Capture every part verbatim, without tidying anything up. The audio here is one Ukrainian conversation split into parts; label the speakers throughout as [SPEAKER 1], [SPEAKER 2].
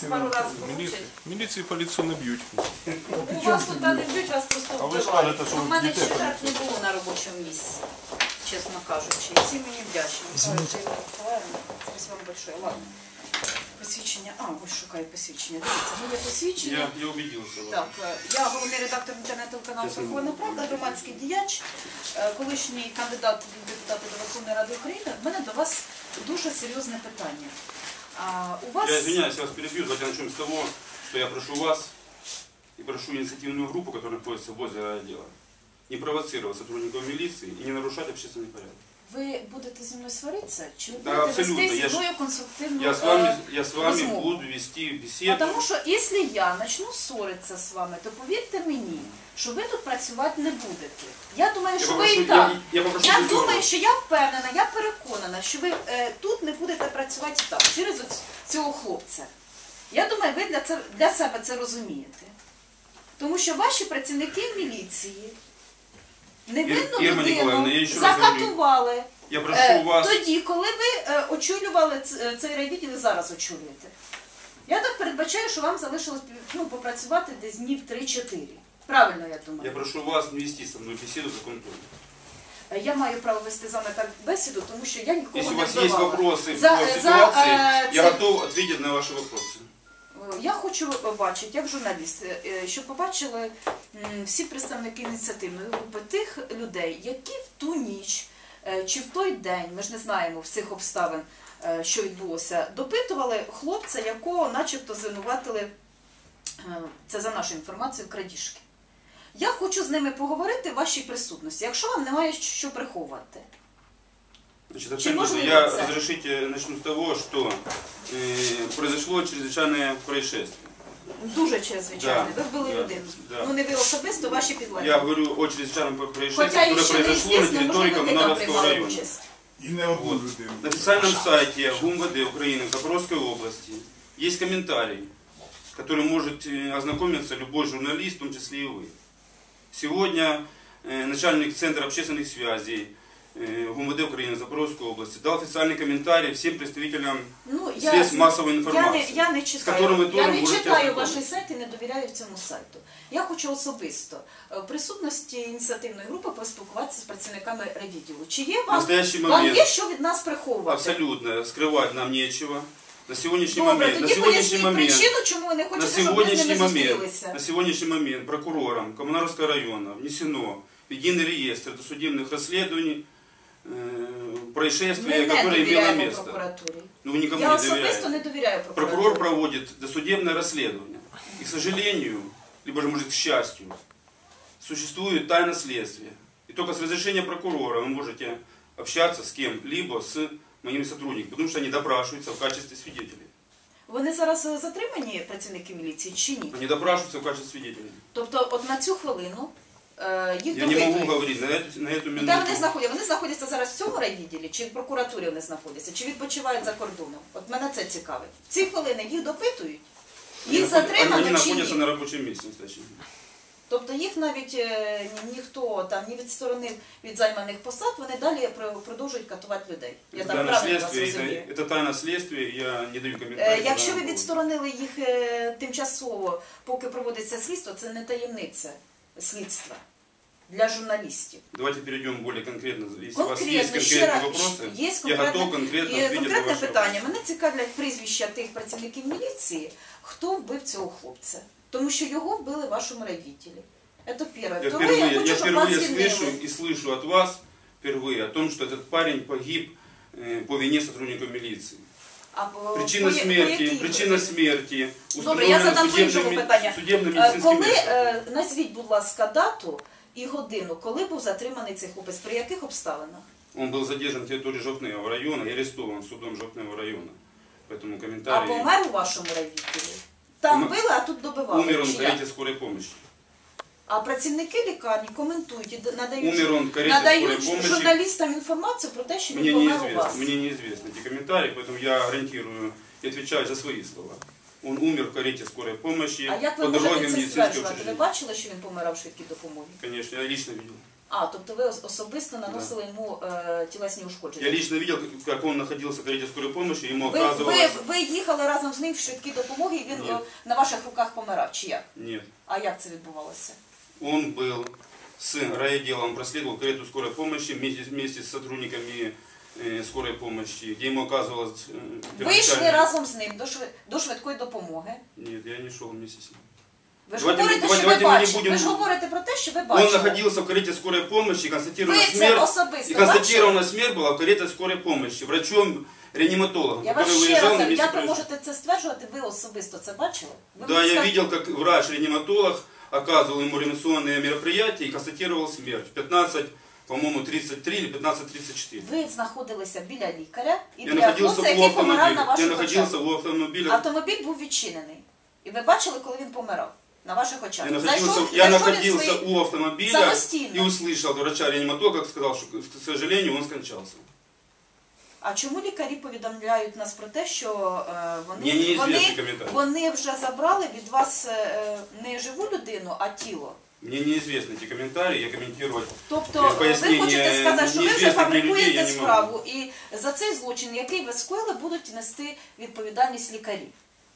[SPEAKER 1] пару разів получать.
[SPEAKER 2] Міліції поліцію не б'ють.
[SPEAKER 1] У вас тут не б'ють, вас просто
[SPEAKER 2] А ви ж
[SPEAKER 1] вбивають.
[SPEAKER 2] кажете, що
[SPEAKER 1] У мене
[SPEAKER 2] дітей
[SPEAKER 1] ще так не
[SPEAKER 2] поліцію.
[SPEAKER 1] було на робочому місці, чесно кажучи. І всі мені вдячні.
[SPEAKER 3] Извините.
[SPEAKER 1] Спасибо вам большое. Ладно. Посвідчення. А, ось шукаю посвідчення. Дивіться, моє посвідчення.
[SPEAKER 2] Я, я убедился.
[SPEAKER 1] Так, е, я головний редактор інтернет-телеканалу «Верховна Правда», громадський діяч, е, колишній кандидат в депутати до Верховної Ради України. В мене до вас дуже серйозне питання. А, у вас...
[SPEAKER 4] Я извиняюсь, я вас перебью. Давайте начнем с того, что я прошу вас и прошу инициативную группу, которая находится возле отдела, не провоцировать сотрудников милиции и не нарушать общественный порядок.
[SPEAKER 1] Ви будете зі мною сваритися? Чи ви
[SPEAKER 4] Да,
[SPEAKER 1] будете
[SPEAKER 4] абсолютно.
[SPEAKER 1] вести
[SPEAKER 4] Я
[SPEAKER 1] зі
[SPEAKER 4] ж-
[SPEAKER 1] мною конструктивну
[SPEAKER 4] Я с вами,
[SPEAKER 1] е,
[SPEAKER 4] я с вами
[SPEAKER 1] возьму.
[SPEAKER 4] буду вести беседу.
[SPEAKER 1] Тому що, якщо я почну ссоритися з вами, то повірте мені, що ви тут працювати не будете. Я думаю,
[SPEAKER 4] Я
[SPEAKER 1] що ви
[SPEAKER 4] попрошу-
[SPEAKER 1] і так.
[SPEAKER 4] я- я попрошу
[SPEAKER 1] Я
[SPEAKER 4] без
[SPEAKER 1] думаю,
[SPEAKER 4] ссору.
[SPEAKER 1] що я впевнена, я переконана, що ви е, тут не будете працювати так, через оць- цього хлопця. Я думаю, ви для, це, для себе це розумієте. Тому що ваші працівники міліції невинну
[SPEAKER 4] Ір- Ірма Ніколаївна, я
[SPEAKER 1] людину
[SPEAKER 4] ще раз
[SPEAKER 1] закатували.
[SPEAKER 4] Я прошу
[SPEAKER 1] Е,
[SPEAKER 4] вас...
[SPEAKER 1] Тоді, коли ви е, очолювали ц- цей райвідділ і зараз очолюєте. Я так передбачаю, що вам залишилось ну, попрацювати десь днів три-чотири. Правильно, я думаю.
[SPEAKER 4] Я прошу вас не вести со мной беседу за контроль.
[SPEAKER 1] Е, Я маю право вести з вами так бесіду, тому що я нікого
[SPEAKER 4] Если у
[SPEAKER 1] не
[SPEAKER 4] вас есть
[SPEAKER 1] вбивала.
[SPEAKER 4] вопросы
[SPEAKER 1] За-
[SPEAKER 4] по
[SPEAKER 1] за,
[SPEAKER 4] ситуации,
[SPEAKER 1] э,
[SPEAKER 4] я
[SPEAKER 1] це-
[SPEAKER 4] готов ответить на ваши вопросы.
[SPEAKER 1] Я хочу бачити, як журналіст, е, щоб побачили м, всі представники ініціативної групи тих людей, які в ту ніч е, чи в той день, ми ж не знаємо всіх обставин, е, що відбулося, допитували хлопця, якого начебто звинуватили, е, це за нашу інформацію, крадіжки. Я хочу з ними поговорити в вашій присутності, якщо вам немає що приховувати.
[SPEAKER 4] Значит,
[SPEAKER 1] Чем
[SPEAKER 4] абсолютно.
[SPEAKER 1] можно
[SPEAKER 4] Я,
[SPEAKER 1] выбраться?
[SPEAKER 4] разрешите, начну с того, что э, произошло чрезвычайное происшествие.
[SPEAKER 1] Дуже чрезвичайно.
[SPEAKER 4] Да,
[SPEAKER 1] Ви вбили
[SPEAKER 4] да,
[SPEAKER 1] людину.
[SPEAKER 4] да.
[SPEAKER 1] Ну не ви особисто, ваші підлеглі.
[SPEAKER 4] Я говорю о чрезвычайном происшествии,
[SPEAKER 1] Хоча
[SPEAKER 4] которое
[SPEAKER 1] ще не
[SPEAKER 4] произошло на
[SPEAKER 1] звісно,
[SPEAKER 4] территории
[SPEAKER 1] можливо, ви там
[SPEAKER 4] Коммунаровского
[SPEAKER 1] приймали
[SPEAKER 4] района.
[SPEAKER 1] участь.
[SPEAKER 3] И не одну
[SPEAKER 4] Вот.
[SPEAKER 3] людину.
[SPEAKER 4] На официальном сайте ГУМВД Украины в Запорожской области есть комментарий, который может э, ознакомиться любой журналист, в том числе и вы. Сегодня э, начальник Центра общественных связей э, ГУМВД Украины в Запорожской области дал официальный комментарий всем представителям
[SPEAKER 1] Ну, я,
[SPEAKER 4] средств массовой
[SPEAKER 1] я,
[SPEAKER 4] информации.
[SPEAKER 1] не, я не
[SPEAKER 4] з
[SPEAKER 1] читаю,
[SPEAKER 4] которым ви
[SPEAKER 1] я
[SPEAKER 4] тоже
[SPEAKER 1] не
[SPEAKER 4] можете
[SPEAKER 1] читаю
[SPEAKER 4] ознакомитися.
[SPEAKER 1] ваш сайт і не довіряю цьому сайту. Я хочу особисто е, в присутності ініціативної групи поспілкуватися з працівниками райвідділу. Чи є
[SPEAKER 4] В
[SPEAKER 1] вам,
[SPEAKER 4] настоящий
[SPEAKER 1] вам
[SPEAKER 4] момент
[SPEAKER 1] є що від нас приховувати?
[SPEAKER 4] абсолютно скрывать нам нечего. На сегодняшний
[SPEAKER 1] Добре,
[SPEAKER 4] момент, на
[SPEAKER 1] тоді
[SPEAKER 4] сегодняшний
[SPEAKER 1] поясніть
[SPEAKER 4] момент,
[SPEAKER 1] причину, чому ви не
[SPEAKER 4] на
[SPEAKER 1] хочете, щоб ми з
[SPEAKER 4] сегодняшний
[SPEAKER 1] ними
[SPEAKER 4] момент,
[SPEAKER 1] зустрілися.
[SPEAKER 4] на сегодняшний момент прокурором Коммунаровского района внесено в единый реестр досудебных расследований э, происшествия,
[SPEAKER 1] Ми не
[SPEAKER 4] которое имело
[SPEAKER 1] довіряємо
[SPEAKER 4] место.
[SPEAKER 1] прокуратурі.
[SPEAKER 4] Ну, вы никому
[SPEAKER 1] Я
[SPEAKER 4] не
[SPEAKER 1] особисто
[SPEAKER 4] доверяете.
[SPEAKER 1] не довіряю прокуратурі.
[SPEAKER 4] Прокурор проводит досудебное расследование. И, к сожалению, либо же, может, к счастью, существует тайна следствия. И только с разрешения прокурора вы можете общаться с кем-либо, с моими сотрудниками, потому что они допрашиваются в качестве свидетелей.
[SPEAKER 1] Вони зараз затримані, працівники міліції, чи ні?
[SPEAKER 4] Они допрашиваются в качестве свидетелей.
[SPEAKER 1] Тобто, от на цю хвилину е, їх
[SPEAKER 4] Я не
[SPEAKER 1] допитують.
[SPEAKER 4] могу говорить на эту, на эту
[SPEAKER 1] І
[SPEAKER 4] минуту.
[SPEAKER 1] де вони знаходяться? Вони знаходяться зараз в цьому райвідділі, чи в прокуратурі вони знаходяться, чи відпочивають за кордоном? От мене це цікавить. В ці хвилини їх допитують,
[SPEAKER 4] Они
[SPEAKER 1] їх
[SPEAKER 4] наход- они,
[SPEAKER 1] затримано
[SPEAKER 4] они
[SPEAKER 1] чи
[SPEAKER 4] находятся
[SPEAKER 1] ні?
[SPEAKER 4] на рабочем месте. Кстати.
[SPEAKER 1] Тобто їх навіть е, ні- ніхто там не відсторонив від займаних посад, вони далі про- продовжують катувати людей. Я
[SPEAKER 4] Это
[SPEAKER 1] так
[SPEAKER 4] тайна
[SPEAKER 1] правильно вас
[SPEAKER 4] следствия,
[SPEAKER 1] розумію?
[SPEAKER 4] это, это тайна следствия, я не даю
[SPEAKER 1] Е,
[SPEAKER 4] комментариев.
[SPEAKER 1] Якщо
[SPEAKER 4] на
[SPEAKER 1] ви
[SPEAKER 4] повод.
[SPEAKER 1] відсторонили їх е, тимчасово, поки проводиться слідство, це не таємниця слідства для журналістів.
[SPEAKER 4] Давайте перейдем более конкретно. Если у вас есть
[SPEAKER 1] Конкретно, ще
[SPEAKER 4] конкретные
[SPEAKER 1] раз,
[SPEAKER 4] вопросы,
[SPEAKER 1] є
[SPEAKER 4] я готов
[SPEAKER 1] конкретне,
[SPEAKER 4] конкретно
[SPEAKER 1] і
[SPEAKER 4] ответить на
[SPEAKER 1] конкретне
[SPEAKER 4] ваши
[SPEAKER 1] питання.
[SPEAKER 4] вопросы.
[SPEAKER 1] Мене цікавлять прізвища тих працівників міліції, хто вбив цього хлопця. Тому що його вбили в вашому райвідділі. Це перше.
[SPEAKER 4] Я
[SPEAKER 1] Второе,
[SPEAKER 4] впервые,
[SPEAKER 1] я хочу,
[SPEAKER 4] я
[SPEAKER 1] щоб вас
[SPEAKER 4] впервые
[SPEAKER 1] звільнили.
[SPEAKER 4] слышу и слышу от вас впервые о том, что этот парень погиб э, по вине сотрудников милиции.
[SPEAKER 1] А по-
[SPEAKER 4] Причина
[SPEAKER 1] по- по
[SPEAKER 4] смерти,
[SPEAKER 1] якій
[SPEAKER 4] причина
[SPEAKER 1] ви?
[SPEAKER 4] смерти
[SPEAKER 1] Добре, я
[SPEAKER 4] установлена
[SPEAKER 1] задам по іншому
[SPEAKER 4] судебным,
[SPEAKER 1] питання.
[SPEAKER 4] судебным
[SPEAKER 1] Е,
[SPEAKER 4] медицинским
[SPEAKER 1] Коли,
[SPEAKER 4] экспертом.
[SPEAKER 1] е, назвіть, будь ласка, дату і годину, коли був затриманий цей хлопець, при яких обставинах?
[SPEAKER 4] Он был задержан на территории Жовтневого района и арестован судом Жовтневого района. Поэтому
[SPEAKER 1] А
[SPEAKER 4] комментарий...
[SPEAKER 1] помер у вашому райвідділі? Там
[SPEAKER 4] Помер-
[SPEAKER 1] били, а тут добивали.
[SPEAKER 4] Умер он
[SPEAKER 1] Чи
[SPEAKER 4] в
[SPEAKER 1] як?
[SPEAKER 4] карете скорой помощи.
[SPEAKER 1] А працівники лікарні коментують і надають,
[SPEAKER 4] Умер он в карете
[SPEAKER 1] надають
[SPEAKER 4] скорой помощи.
[SPEAKER 1] журналістам інформацію про те, що
[SPEAKER 4] Мне
[SPEAKER 1] він помер у
[SPEAKER 4] неизвестно,
[SPEAKER 1] вас.
[SPEAKER 4] мне неизвестны эти комментарии, поэтому я гарантирую и отвечаю за свои слова. Он умер в карете скорой помощи
[SPEAKER 1] А як ви
[SPEAKER 4] по дороге в
[SPEAKER 1] можете це
[SPEAKER 4] медицинское
[SPEAKER 1] стверджувати? Ви
[SPEAKER 4] учреждение.
[SPEAKER 1] бачили, що він помирав в швидкій допомогі?
[SPEAKER 4] Конечно, я лично видел.
[SPEAKER 1] А, тобто ви ос- особисто наносили йому е, тілесні ушкодження?
[SPEAKER 4] Я лично видел, как он находился в карете скорой помощи, ему
[SPEAKER 1] Ви, ви,
[SPEAKER 4] оказывалось...
[SPEAKER 1] ви їхали разом з ним в швидкій допомоги, і він
[SPEAKER 4] Ні.
[SPEAKER 1] е, на ваших руках помирав, чи як?
[SPEAKER 4] Нет.
[SPEAKER 1] А як це відбувалося?
[SPEAKER 4] Он был с райотделом, проследовал карету скорой помощи вместе, вместе с сотрудниками э, скорой помощи, где ему оказывалось... Э,
[SPEAKER 1] Ви йшли
[SPEAKER 4] первоначально-
[SPEAKER 1] разом з ним до, шви- до швидкої допомоги.
[SPEAKER 4] Нет, я не шел вместе с ним.
[SPEAKER 1] Ви ж
[SPEAKER 4] Давайте ми-
[SPEAKER 1] говорите,
[SPEAKER 4] давайте-
[SPEAKER 1] що ви
[SPEAKER 4] давайте ми не
[SPEAKER 1] бачите.
[SPEAKER 4] будемо-
[SPEAKER 1] Ви ж говорите про те, що ви
[SPEAKER 4] Он
[SPEAKER 1] бачили.
[SPEAKER 4] находился в карете скорой помощи, констатирована
[SPEAKER 1] Ви це
[SPEAKER 4] смерть.
[SPEAKER 1] особисто
[SPEAKER 4] И
[SPEAKER 1] бачили?
[SPEAKER 4] констатирована смерть была в карете скорой помощи, врачом-реаниматологом,
[SPEAKER 1] Я вас
[SPEAKER 4] который
[SPEAKER 1] ще
[SPEAKER 4] выезжал
[SPEAKER 1] раз,
[SPEAKER 4] на месте
[SPEAKER 1] як ви
[SPEAKER 4] происшествия.
[SPEAKER 1] можете це стверджувати, ви особисто це бачили? Ви
[SPEAKER 4] Да,
[SPEAKER 1] мені
[SPEAKER 4] я
[SPEAKER 1] скажете-
[SPEAKER 4] видел, как врач-реаниматолог оказывал ему реанимационные мероприятия и констатировал смерть. пятнадцать, по-моему, тридцать три или пятнадцать тридцать четыре.
[SPEAKER 1] Ви знаходилися біля лікаря і
[SPEAKER 4] Я
[SPEAKER 1] біля
[SPEAKER 4] находился
[SPEAKER 1] хлопця,
[SPEAKER 4] у
[SPEAKER 1] який помирав на
[SPEAKER 4] автомобиля. Я
[SPEAKER 1] ваших
[SPEAKER 4] находился
[SPEAKER 1] очах.
[SPEAKER 4] у автомобиля.
[SPEAKER 1] Автомобіль був відчинений. І ви бачили, коли він помирав? На ваших очах.
[SPEAKER 4] Я находился,
[SPEAKER 1] Зайшов-
[SPEAKER 4] я
[SPEAKER 1] зайшов він
[SPEAKER 4] находился
[SPEAKER 1] свої-
[SPEAKER 4] у автомобиля
[SPEAKER 1] самостійно.
[SPEAKER 4] и услышал врача-реаниматолога, как сказал, что, к сожалению, он скончался.
[SPEAKER 1] А чому лікарі повідомляють нас про те, що е, вони,
[SPEAKER 4] Мені неізвісний
[SPEAKER 1] вони,
[SPEAKER 4] коментар.
[SPEAKER 1] вони вже забрали від вас е, не живу людину, а тіло?
[SPEAKER 4] Мне неизвестны эти комментарии, я комментировать.
[SPEAKER 1] Тобто
[SPEAKER 4] Е,
[SPEAKER 1] ви
[SPEAKER 4] пояснення
[SPEAKER 1] хочете сказати, що ви вже
[SPEAKER 4] неізвісних мені людей
[SPEAKER 1] фабрикуєте
[SPEAKER 4] я не можу.
[SPEAKER 1] справу, і за цей злочин, який ви скоїли, будуть нести відповідальність лікарі.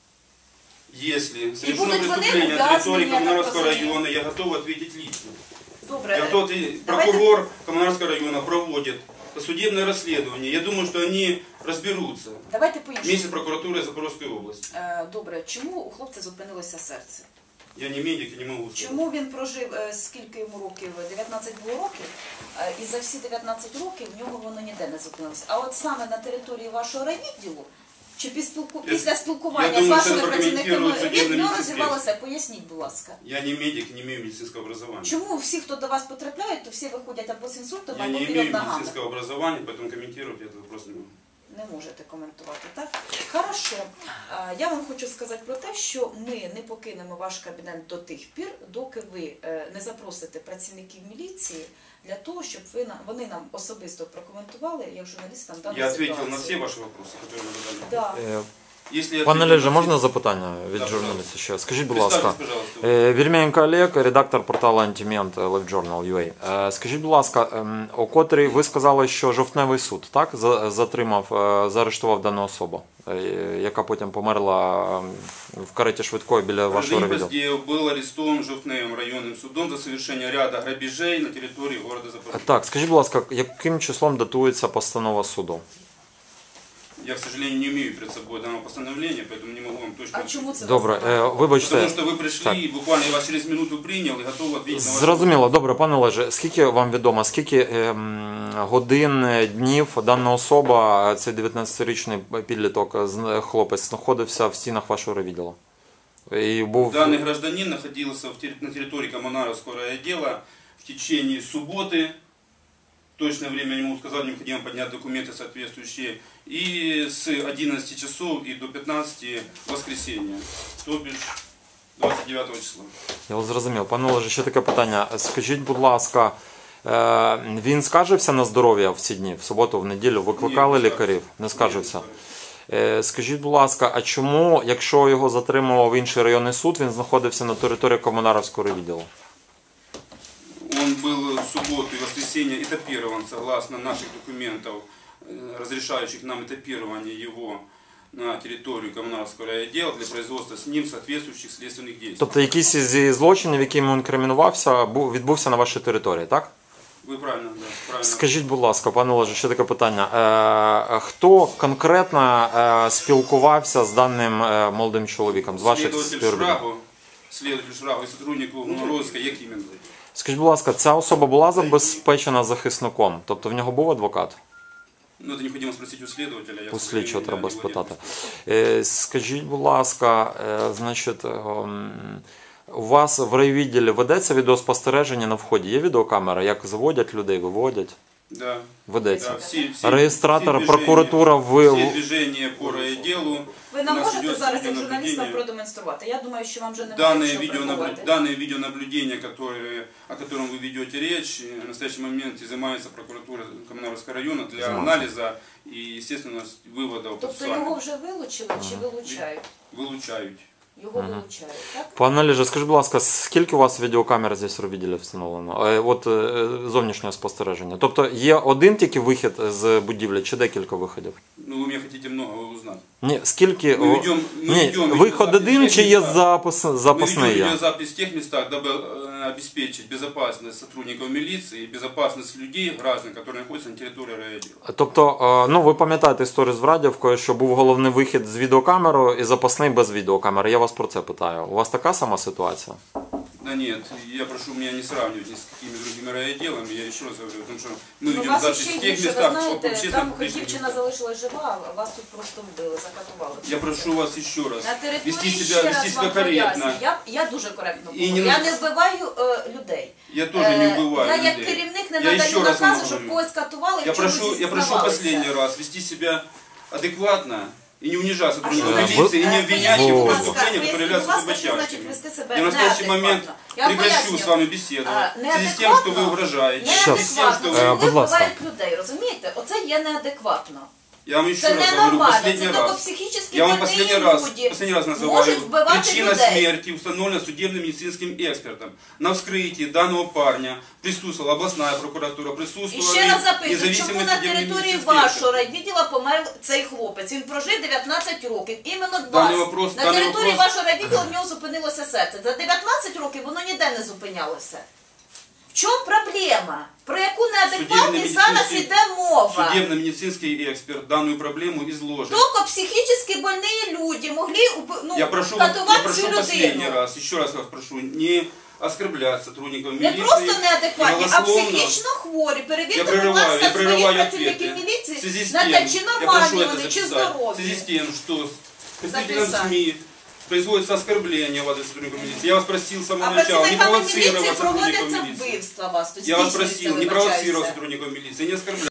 [SPEAKER 4] Если совершено
[SPEAKER 1] будут вони
[SPEAKER 4] преступление на территории
[SPEAKER 1] ув'язнені, я так
[SPEAKER 4] Коммунарского
[SPEAKER 1] розумію.
[SPEAKER 4] района, я готов ответить лично.
[SPEAKER 1] Добре,
[SPEAKER 4] Я
[SPEAKER 1] е,
[SPEAKER 4] готов, и
[SPEAKER 1] давайте-
[SPEAKER 4] прокурор Коммунарского района проводит судебное расследование. Я думаю, что они разберутся
[SPEAKER 1] давайте
[SPEAKER 4] вместе с
[SPEAKER 1] по-іншому.
[SPEAKER 4] прокуратурой Запорожской области.
[SPEAKER 1] Е, Добре, чому у хлопця зупинилося серце?
[SPEAKER 4] Я не медик и не могу сказать.
[SPEAKER 1] Чому він прожив, е, скільки йому років? дев'ятнадцять було років, е, і за всі дев'ятнадцять років в нього воно ніде не зупинилося. А от саме на території вашого райвідділу, чи піспілку-
[SPEAKER 4] Я-
[SPEAKER 1] після
[SPEAKER 4] я
[SPEAKER 1] спілкування з
[SPEAKER 4] думаю,
[SPEAKER 1] вашими
[SPEAKER 4] це
[SPEAKER 1] працівниками
[SPEAKER 4] прокоментують
[SPEAKER 1] він
[SPEAKER 4] судебні
[SPEAKER 1] не
[SPEAKER 4] медицинські.
[SPEAKER 1] розвивалося? Поясніть, будь ласка.
[SPEAKER 4] Я не медик, не имею медицинского образования.
[SPEAKER 1] Чому всі, хто до вас потрапляють, то всі виходять або з інсультом,
[SPEAKER 4] Я
[SPEAKER 1] або
[SPEAKER 4] не
[SPEAKER 1] вперед
[SPEAKER 4] имею
[SPEAKER 1] ногами?
[SPEAKER 4] медицинского образования, поэтому комментировать этот вопрос не могу.
[SPEAKER 1] Не можете коментувати, так? Хорошо. А, Я вам хочу сказати про те, що ми не покинемо ваш кабінет до тих пір, доки ви е, не запросите працівників міліції для того, щоб ви нам, вони нам особисто прокоментували, як журналістам дану
[SPEAKER 4] Я
[SPEAKER 1] ситуацію.
[SPEAKER 4] ответил на все ваши вопросы, которые вы задали.
[SPEAKER 1] Да.
[SPEAKER 3] Е,
[SPEAKER 4] Если я
[SPEAKER 3] Пане
[SPEAKER 4] ответил
[SPEAKER 3] Олеже,
[SPEAKER 4] на
[SPEAKER 3] можна
[SPEAKER 4] все-
[SPEAKER 3] запитання від
[SPEAKER 4] Да,
[SPEAKER 3] журналіста ще? Скажіть, будь
[SPEAKER 4] Представьтесь,
[SPEAKER 3] ласка,
[SPEAKER 4] пожалуйста.
[SPEAKER 3] е, Вільменко Олег, редактор порталу Антимент LiveJournal.ua. Е, Скажіть, будь ласка, ем, о котрій ви сказали, що жовтневий суд, так, за- затримав, е, заарештував дану особу, е, яка потім померла ем, в кареті швидкої біля вашого
[SPEAKER 4] Рождень
[SPEAKER 3] райвідділу?
[SPEAKER 4] Поздеев был арестован Жовтневым районным судом за совершение ряда грабежей на территории города Запорожья.
[SPEAKER 3] Так, скажіть, будь ласка, яким числом датується постанова суду?
[SPEAKER 4] Я, к сожалению, не имею перед собой данного постановления, поэтому не могу вам точно...
[SPEAKER 1] А чому це
[SPEAKER 3] Добре,
[SPEAKER 1] вас
[SPEAKER 3] е,
[SPEAKER 1] немає?
[SPEAKER 3] вибачте.
[SPEAKER 4] Потому что вы пришли,
[SPEAKER 3] Так.
[SPEAKER 4] и буквально я вас через минуту принял и готов ответить на ваши
[SPEAKER 3] Зрозуміло, добре, пане Олеже, скільки вам відомо, скільки ем, годин, е, днів дана особа, цей дев'ятнадцятирічний підліток, з- хлопець, знаходився в стінах вашого райвідділу? І був...
[SPEAKER 4] Данный гражданин находился в терри- на территории Коммунаровского райотдела в течение субботы. Точное время я не могу сказать, необходимо поднять документы соответствующие. И с одиннадцати часов и до пятнадцати воскресенья, то бишь двадцять дев'ятого числа.
[SPEAKER 3] Я вас зрозумів. Пане Олеже, ще таке питання. Скажіть, будь ласка, е, він скаржився на здоров'я в ці дні, в суботу, в неділю? Викликали
[SPEAKER 4] Ні, не
[SPEAKER 3] лікарів?
[SPEAKER 4] скаржився.
[SPEAKER 3] Не скаржився?
[SPEAKER 4] Ні, не скаржився.
[SPEAKER 3] Е, Скажіть, будь ласка, а чому, якщо його затримував інший районний суд, він знаходився на території Комунаровського райвідділу?
[SPEAKER 4] Он был в субботу и воскресенье этапирован согласно наших документов, э, разрешающих нам этапирование его на территорию Коммунаровского райотдела для производства с ним соответствующих следственных действий.
[SPEAKER 3] Тобто якийсь зі злочинів, яким він інкримінувався, був- відбувся на вашій території, так?
[SPEAKER 4] Вы правильно, да, правильно.
[SPEAKER 3] Скажіть, будь ласка, пане Олеже, ще таке питання. Е, хто конкретно е, спілкувався з даним е, молодим чоловіком, з ваших
[SPEAKER 4] Следователь
[SPEAKER 3] співробітників?
[SPEAKER 4] Шрагу, следователь Шрагу и сотрудник Коммунаровска, як іменно?
[SPEAKER 3] Скажіть, будь ласка, ця особа була забезпечена захисником? Тобто в нього був адвокат?
[SPEAKER 4] Ну, это необходимо спросить у следователя. Я,
[SPEAKER 3] У
[SPEAKER 4] к сожалению,
[SPEAKER 3] слідчого
[SPEAKER 4] да,
[SPEAKER 3] треба
[SPEAKER 4] не владею
[SPEAKER 3] спитати.
[SPEAKER 4] этим.
[SPEAKER 3] Е, Скажіть, будь ласка, е, значить, ем, у вас в райвідділі ведеться відеоспостереження на вході? Є відеокамера? Як заводять людей, виводять?
[SPEAKER 4] Да.
[SPEAKER 3] Ведеться.
[SPEAKER 4] Да, всі- всі-
[SPEAKER 3] Реєстратор,
[SPEAKER 4] всі движення-
[SPEAKER 3] прокуратура, ви...
[SPEAKER 4] Всі движення по райотделу.
[SPEAKER 1] Ви нам
[SPEAKER 4] у нас
[SPEAKER 1] можете
[SPEAKER 4] идет
[SPEAKER 1] зараз як журналістам
[SPEAKER 4] видеонаблюдение.
[SPEAKER 1] продемонструвати? Я думаю, що вам вже немає
[SPEAKER 4] Данное,
[SPEAKER 1] що
[SPEAKER 4] видеонаблю...
[SPEAKER 1] приховувати.
[SPEAKER 4] Данное видеонаблюдение, которое... о котором вы ведете речь, э, в настоящий момент изымается прокуратура Коммунаровского района для
[SPEAKER 3] Изымается.
[SPEAKER 4] анализа и, естественно, выводов
[SPEAKER 1] Тобто його
[SPEAKER 4] процессуальных.
[SPEAKER 1] вже вилучили чи вилучають?
[SPEAKER 4] Вилучають.
[SPEAKER 1] його вилучають, так?
[SPEAKER 3] Пане Олеже, скажіть, будь ласка, скільки у вас відеокамер здесь в відділі встановлено? Е, От е, зовнішнього спостереження. Тобто є один тільки вихід з будівлі чи декілька виходів?
[SPEAKER 4] Ну, вы меня хотите много узнать.
[SPEAKER 3] Ні, скільки...
[SPEAKER 4] Ми
[SPEAKER 3] о,
[SPEAKER 4] ведем- ми
[SPEAKER 3] Ні,
[SPEAKER 4] ведем
[SPEAKER 3] виход
[SPEAKER 4] відеозапис
[SPEAKER 3] один
[SPEAKER 4] в
[SPEAKER 3] чи
[SPEAKER 4] тих
[SPEAKER 3] є
[SPEAKER 4] містах.
[SPEAKER 3] запас,
[SPEAKER 4] Мы
[SPEAKER 3] запасний
[SPEAKER 4] ведем
[SPEAKER 3] є?
[SPEAKER 4] видеозапись в тех местах, дабы э, обеспечить безопасность сотрудников милиции и безопасность людей, граждан, которые находятся на территории райотдела.
[SPEAKER 3] Тобто, е, ну ви пам'ятаєте історію з Врадівкою, що був головний вихід з відеокамерою і запасний без відеокамери. Я вас про це питаю. У вас така сама ситуація?
[SPEAKER 4] Да нет, я прошу меня не сравнивать ни с какими другими райотделами, я еще раз говорю, потому что мы
[SPEAKER 1] Ну,
[SPEAKER 4] ведем
[SPEAKER 1] вас
[SPEAKER 4] запись
[SPEAKER 1] ще
[SPEAKER 4] в тех
[SPEAKER 1] гірше, ви
[SPEAKER 4] местах,
[SPEAKER 1] знаєте,
[SPEAKER 4] общественно
[SPEAKER 1] там
[SPEAKER 4] публичных
[SPEAKER 1] дівчина
[SPEAKER 4] местах.
[SPEAKER 1] залишилась жива, а вас тут просто вбили, закатували.
[SPEAKER 4] Я прошу вас еще раз
[SPEAKER 1] На
[SPEAKER 4] вести
[SPEAKER 1] території
[SPEAKER 4] себя,
[SPEAKER 1] ще
[SPEAKER 4] вести
[SPEAKER 1] раз
[SPEAKER 4] себя
[SPEAKER 1] вам
[SPEAKER 4] корректно.
[SPEAKER 1] поясню. Я, я дуже коректно
[SPEAKER 4] І
[SPEAKER 1] говорю.
[SPEAKER 4] не
[SPEAKER 1] Я
[SPEAKER 4] на-
[SPEAKER 1] не вбиваю е, людей.
[SPEAKER 4] Я тоже не
[SPEAKER 1] Е,
[SPEAKER 4] убываю
[SPEAKER 1] Я як
[SPEAKER 4] людей.
[SPEAKER 1] керівник не
[SPEAKER 4] Я
[SPEAKER 1] надаю
[SPEAKER 4] еще раз вам
[SPEAKER 1] наказу, щоб
[SPEAKER 4] говорю.
[SPEAKER 1] когось катували і
[SPEAKER 4] Я
[SPEAKER 1] в чомусь
[SPEAKER 4] прошу, я прошу
[SPEAKER 1] зізнавалися.
[SPEAKER 4] последний раз вести себя адекватно и не унижать
[SPEAKER 1] А що
[SPEAKER 4] сотрудников
[SPEAKER 1] значить,
[SPEAKER 4] милиции, и не
[SPEAKER 1] е,
[SPEAKER 4] обвинять
[SPEAKER 1] поясніть,
[SPEAKER 4] их в
[SPEAKER 1] будь ласка,
[SPEAKER 4] преступлениях, которые
[SPEAKER 1] поясніть,
[SPEAKER 4] являются
[SPEAKER 1] будь ласка, що значить
[SPEAKER 4] зубочастками.
[SPEAKER 1] вести себе
[SPEAKER 4] Я в настоящий
[SPEAKER 1] неадекватно?
[SPEAKER 4] момент
[SPEAKER 1] Я вам
[SPEAKER 4] прекращу
[SPEAKER 1] поясню.
[SPEAKER 4] с вами беседовать.
[SPEAKER 1] А,
[SPEAKER 4] В связи с тем, что вы
[SPEAKER 1] неадекватно?
[SPEAKER 4] угрожаете. В связи с тем,
[SPEAKER 1] Неадекватно.
[SPEAKER 4] что
[SPEAKER 3] Е,
[SPEAKER 1] Це
[SPEAKER 4] вы...
[SPEAKER 1] коли
[SPEAKER 3] будь ласка.
[SPEAKER 1] вбивають людей, розумієте? Оце є неадекватно.
[SPEAKER 4] Я вам еще
[SPEAKER 1] Це
[SPEAKER 4] раз говорю,
[SPEAKER 1] ненормально, це
[SPEAKER 4] последний
[SPEAKER 1] тільки
[SPEAKER 4] раз.
[SPEAKER 1] психічно
[SPEAKER 4] Я вам
[SPEAKER 1] больні
[SPEAKER 4] последний раз,
[SPEAKER 1] люди
[SPEAKER 4] последний раз называю.
[SPEAKER 1] можуть вбивати
[SPEAKER 4] Причина
[SPEAKER 1] людей.
[SPEAKER 4] смерти установлена судебным медицинским экспертом. На вскрытии данного парня присутствовала областная прокуратура,
[SPEAKER 1] І
[SPEAKER 4] присутствовали
[SPEAKER 1] ще раз запитую,
[SPEAKER 4] независимый
[SPEAKER 1] чому на
[SPEAKER 4] судебный
[SPEAKER 1] території
[SPEAKER 4] медицинский
[SPEAKER 1] вашого
[SPEAKER 4] эксперт.
[SPEAKER 1] райвідділа помер цей хлопець? Він прожив дев'ятнадцять років, іменно вас.
[SPEAKER 4] Даний вопрос-
[SPEAKER 1] на
[SPEAKER 4] даний
[SPEAKER 1] території
[SPEAKER 4] вопрос-
[SPEAKER 1] вашого райвідділа в нього зупинилося серце. За дев'ятнадцять років воно ніде не зупинялося. В чому проблема? Про яку неадекватність зараз
[SPEAKER 4] Судебно-медицинський-
[SPEAKER 1] іде мова?
[SPEAKER 4] Судебно-медицинский эксперт данную проблему изложит.
[SPEAKER 1] Тільки психічно больні люди могли уб- ну,
[SPEAKER 4] Я прошу, вас- я
[SPEAKER 1] катувати
[SPEAKER 4] прошу
[SPEAKER 1] цю
[SPEAKER 4] последний
[SPEAKER 1] людину.
[SPEAKER 4] раз, еще раз вас прошу, не оскорблять сотрудников
[SPEAKER 1] Не
[SPEAKER 4] милиции.
[SPEAKER 1] просто неадекватні, а
[SPEAKER 4] голословно.
[SPEAKER 1] психічно хворі.
[SPEAKER 4] Я
[SPEAKER 1] Перевірте, будь
[SPEAKER 4] прерываю,
[SPEAKER 1] ласка,
[SPEAKER 4] я
[SPEAKER 1] своїх
[SPEAKER 4] прерываю
[SPEAKER 1] працівників
[SPEAKER 4] ответы. В
[SPEAKER 1] міліції
[SPEAKER 4] связи с
[SPEAKER 1] на
[SPEAKER 4] тем,
[SPEAKER 1] те, чи
[SPEAKER 4] я прошу
[SPEAKER 1] нормальні
[SPEAKER 4] это
[SPEAKER 1] вони, чи
[SPEAKER 4] записать. В связи
[SPEAKER 1] здорові.
[SPEAKER 4] с тем, что с представителем
[SPEAKER 1] Записать.
[SPEAKER 4] СМИ производится оскорбление в адрес сотрудников милиции. Я вас просил с
[SPEAKER 1] А
[SPEAKER 4] самого начала не
[SPEAKER 1] працівниками міліції
[SPEAKER 4] провоцировать сотрудников
[SPEAKER 1] проводяться
[SPEAKER 4] милиции.
[SPEAKER 1] вбивства вас. Тут
[SPEAKER 4] Я вас
[SPEAKER 1] здійснюється,
[SPEAKER 4] просил не
[SPEAKER 1] вибачаюся.
[SPEAKER 4] провоцировать сотрудников милиции, не оскорблять.